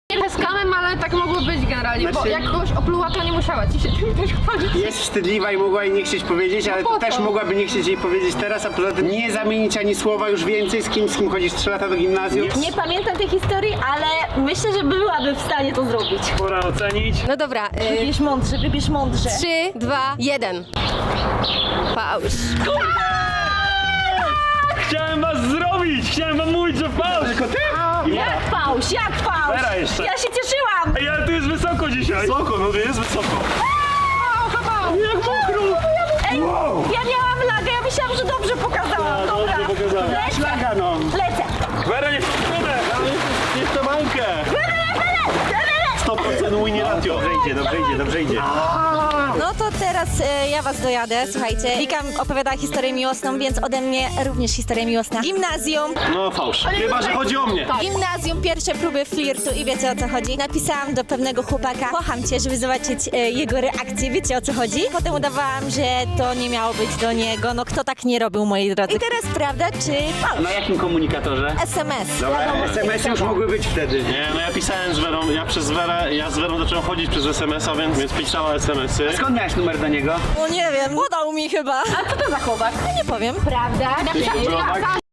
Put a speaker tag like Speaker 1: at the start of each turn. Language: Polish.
Speaker 1: Nie z kamem, ale tak mogło być generalnie, bo jak kogoś opluła, to nie musiała ci się tym też chwalić.
Speaker 2: Jest wstydliwa i mogła jej nie chcieć powiedzieć, ale to też mogłaby nie chcieć jej powiedzieć teraz, a poza tym nie zamienić ani słowa już więcej z kim chodzisz 3 lata do gimnazjum.
Speaker 3: Nie pamiętam tej historii, ale myślę, że byłaby w stanie to zrobić.
Speaker 4: Pora ocenić.
Speaker 1: No dobra,
Speaker 3: Wybierz mądrze.
Speaker 1: 3, 2, 1. Pausz.
Speaker 4: Chciałem was zrobić! Chciałem wam mówić, że fałsz! Tylko ty?
Speaker 3: Jak fałsz, jak fałsz?
Speaker 4: Vera jeszcze.
Speaker 3: Ja się cieszyłam.
Speaker 4: Ej, ale tu jest wysoko dzisiaj! Wysoko, no to jest wysoko. Jak mokro!
Speaker 3: Ej, ja miałam lagę, ja myślałam, że dobrze pokazałam. Dobra,
Speaker 4: dobrze pokazałem.
Speaker 3: lecę,
Speaker 2: No.
Speaker 3: lecę.
Speaker 4: Vera, nie w stronę! Nie w tę bańkę! 100% win ratio.
Speaker 2: Dobrze idzie.
Speaker 3: No to teraz ja was dojadę, słuchajcie. Wika opowiadała historię miłosną, więc ode mnie również historia miłosna. Gimnazjum.
Speaker 4: No fałsz. Chyba, że chodzi o mnie.
Speaker 3: Gimnazjum, pierwsze próby flirtu i wiecie o co chodzi. Napisałam do pewnego chłopaka, kocham cię, żeby zobaczyć jego reakcję, wiecie o co chodzi. Potem udawałam, że to nie miało być do niego, no kto tak nie robił, moi drodzy. I teraz prawda czy fałsz?
Speaker 2: Na jakim komunikatorze?
Speaker 3: SMS.
Speaker 2: Dobra, SMS-y już mogły być wtedy.
Speaker 4: Nie, no ja pisałem z Werą, ja z Werą zacząłem chodzić przez SMS-a, więc pisała SMS-y.
Speaker 2: Skąd miałeś numer do niego?
Speaker 3: No nie wiem, podał mi chyba. A co to za chłopak? No nie powiem. Prawda?